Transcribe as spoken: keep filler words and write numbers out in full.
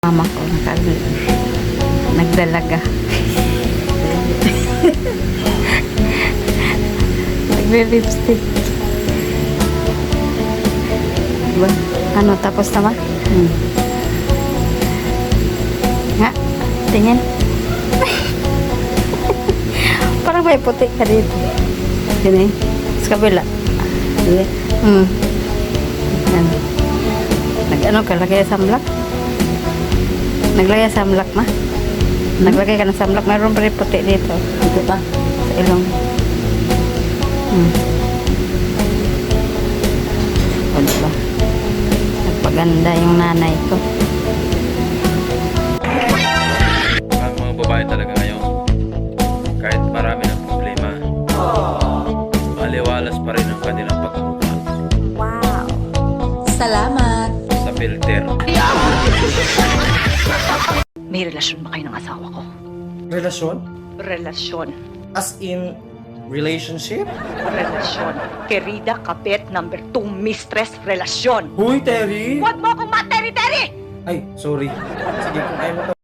Mama ko nakal nagdalaga. Nagbe-lipstick. Diba? Ano, tapos na ba? Hmm. Nga, tingin. Parang may puti ka dito. Yan eh. Sa kabila. Yan. Hmm. Yan. Nag-ano ka, lagay sa samlak? Naglagay sa samlak ma? Naglagay ka ng samlak. Mayroon pa rin puti dito. Dito pa? Sa ilong. Hmm. O diba? Nagpaganda yung nanay ko. Ang mga babae talaga ngayon, kahit marami ng problema, maliwalas pa rin ang kanilang pagmumukha. Wow! Salamat! Sa filter. May relasyon ba kayo ng asawa ko? Relasyon? Relasyon. As in, relationship? Relasyon. Querida Kapit, number two, mistress, relasyon. Huy, Terry! Huwag mo akong materi-teri! Ay, sorry. Sige, kung ayaw mo